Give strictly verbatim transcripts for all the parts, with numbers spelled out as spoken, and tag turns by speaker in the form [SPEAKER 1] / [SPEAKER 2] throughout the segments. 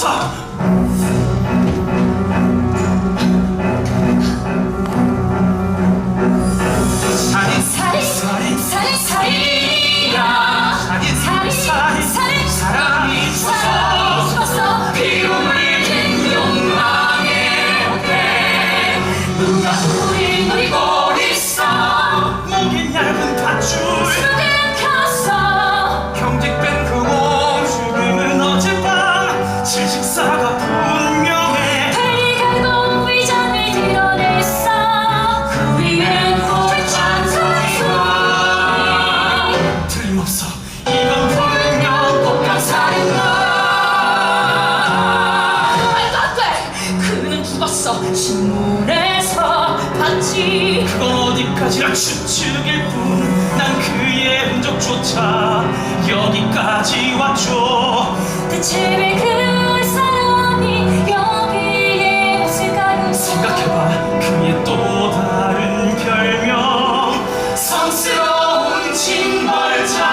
[SPEAKER 1] 맙소사! 살인
[SPEAKER 2] 살인
[SPEAKER 1] 살인
[SPEAKER 2] 살인 살인이야.
[SPEAKER 1] 살인
[SPEAKER 2] 살인
[SPEAKER 1] 살인
[SPEAKER 2] 살인
[SPEAKER 1] 사람이
[SPEAKER 2] 사람이 죽었어.
[SPEAKER 1] 피움을 잃은 욕망의 어깨
[SPEAKER 2] 누가 우릴 노리고 있어.
[SPEAKER 1] 목이 얇은 밧줄
[SPEAKER 2] 수백 켰어.
[SPEAKER 1] 경직된 그 몸 죽음은 어젯밤 질식사가 분명해
[SPEAKER 2] 빨리가고 위장을 드러냈어. 그 위엔 호백잔 살소리.
[SPEAKER 1] 틀림없어 이건 분명
[SPEAKER 2] 꽃감 살인마. 말도 안 돼. 그는 죽었어. 신문에서 봤지.
[SPEAKER 1] 그건 어디까지나 추측일 뿐 난 그의 흔적조차 여기까지 왔죠
[SPEAKER 2] 대체 왜 그 사람이 여기에 왔을까요?
[SPEAKER 1] 생각해봐 그의 또 다른 별명 성스러운 징벌자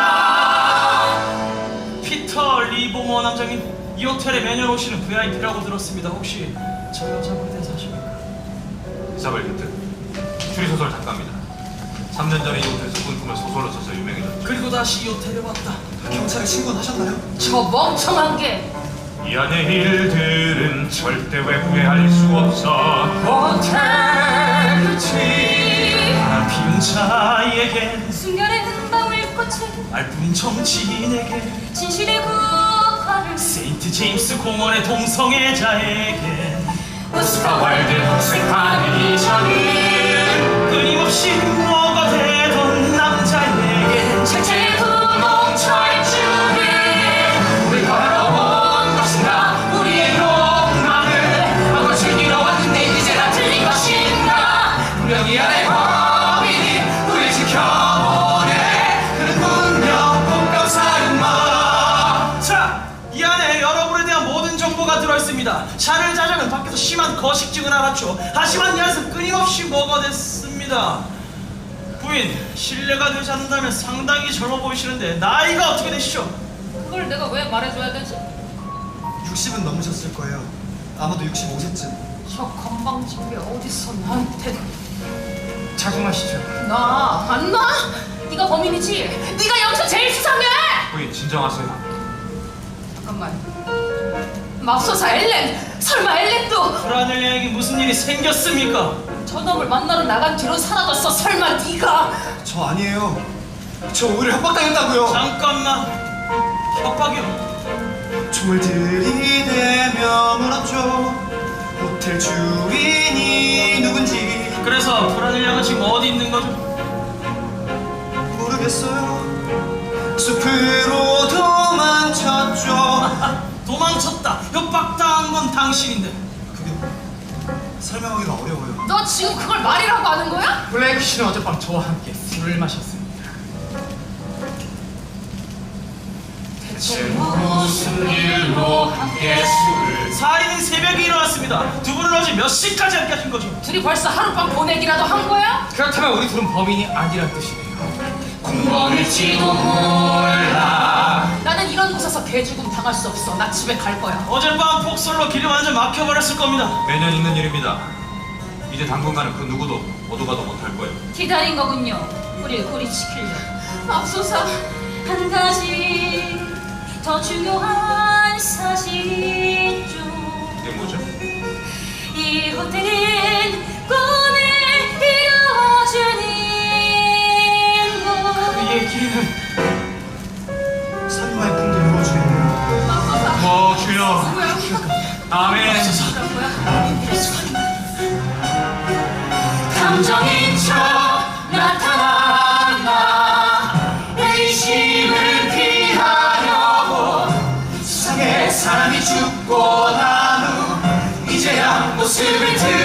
[SPEAKER 1] 피터 리보머 남장님 이 호텔에 매년 오시는 브이아이피라고 들었습니다 혹시 저 여자분에 대해서 아십니까?
[SPEAKER 3] 이사벨 히트 추리소설 작가입니다. 삼 년 전에 이 호텔에서 꿈꾸며 소설로 써서 유명해졌죠.
[SPEAKER 1] 그리고 다시 이 호텔에 왔다
[SPEAKER 4] 경찰에 신고는 하셨나요?
[SPEAKER 2] 저 멍청한 게
[SPEAKER 3] 이 안의 일들은 절대 외부에 알 수 없어.
[SPEAKER 1] 호텔 끝이 바람 피운 자에겐
[SPEAKER 2] 순간의 은방울 꽃을
[SPEAKER 1] 말뿐인 정치인에게
[SPEAKER 2] 진실의 국화를
[SPEAKER 1] 세인트 제임스 공원의 동성애자에겐
[SPEAKER 2] 오스카
[SPEAKER 1] 월드 흑색하는 이전이 끊임없이 뭐가 되던 남자에겐
[SPEAKER 2] 실제 구멍 철줄을
[SPEAKER 1] 우리 걸어온 것인가 우리의 욕망을 마음껏 즐기러 왔는데 이제 다 틀린 것인가 분명히 안에 범인이 우리 지켜보네 그는 분명 꽃감살인마 자, 이 안에 여러분에 대한 모든 정보가 들어있습니다 샤를 자장은 밖에서 심한 거식증을 알았죠 하지만 이 안에서 끊임없이 먹어댔습니다 부인, 신뢰가 되지 않는다면 상당히 젊어 보이시는데 나이가 어떻게 되시죠?
[SPEAKER 2] 그걸 내가 왜 말해줘야 되지?
[SPEAKER 4] 육십은 넘으셨을 거예요. 아마도 육십오 세쯤.
[SPEAKER 2] 저 건방진 게 어디서 나한테
[SPEAKER 1] 자중하시죠
[SPEAKER 2] 나 안 나? 네가 범인이지? 네가 여기서 제일 수상해!
[SPEAKER 3] 부인 진정하세요.
[SPEAKER 2] 잠깐만 맙소사 엘렌! 설마 엘렌도
[SPEAKER 1] 브라넬리에게 무슨 일이 생겼습니까?
[SPEAKER 2] 저놈을 만나러 나간 뒤로 사라졌어. 설마 네가
[SPEAKER 4] 저 아니에요. 저 오히려 협박당했다고요.
[SPEAKER 1] 잠깐만 협박이요?
[SPEAKER 4] 총을 들이대며 물었죠. 호텔 주인이 누군지
[SPEAKER 1] 그래서 브라넬리아가 지금 어디 있는 거죠?
[SPEAKER 4] 모르겠어요. 숲으로 도망쳤죠.
[SPEAKER 1] 도망쳤다 협박당한 건 당신인데
[SPEAKER 4] 그게 설명하기가 어려워요.
[SPEAKER 2] 너 지금 그걸 말이라고 하는 거야?
[SPEAKER 1] 블레이크 씨는 어젯밤 저와 함께 술을 마셨습니다
[SPEAKER 2] 대체 무슨 일로 함께 술을
[SPEAKER 1] 살인은 새벽에 일어났습니다 두 분은 어제 몇 시까지 함께 하신 거죠?
[SPEAKER 2] 둘이 벌써 하룻밤 보내기라도 한 거야?
[SPEAKER 1] 그렇다면 우리 둘은 범인이 아니란 뜻이네요
[SPEAKER 2] 공범일지도 몰라. 나는 이런 곳에서 개죽음 당할 수 없어. 나 집에 갈 거야.
[SPEAKER 1] 어젯밤 폭설로 길이 완전 막혀버렸을 겁니다
[SPEAKER 3] 매년 있는 일입니다. 이제 당분간은 그 누구도 어디 가도 못할 거예요.
[SPEAKER 2] 기다린 거군요. 우릴 고리시키려. 맙소사 한 가지 더 중요한 사실 중.
[SPEAKER 3] 이게 뭐죠?
[SPEAKER 2] 이 호텔은 꿈을 이루어주는
[SPEAKER 1] 그 얘기는
[SPEAKER 4] 살인마의 꿈도 이루어주겠네요.
[SPEAKER 2] 맙소사
[SPEAKER 3] 뭐 주여.
[SPEAKER 2] 뭐야?
[SPEAKER 3] 아멘.
[SPEAKER 2] 감정인 척 나타났나 의심을 피하려고
[SPEAKER 1] 세상에 사람이 죽고 난 후 이제야 모습을 드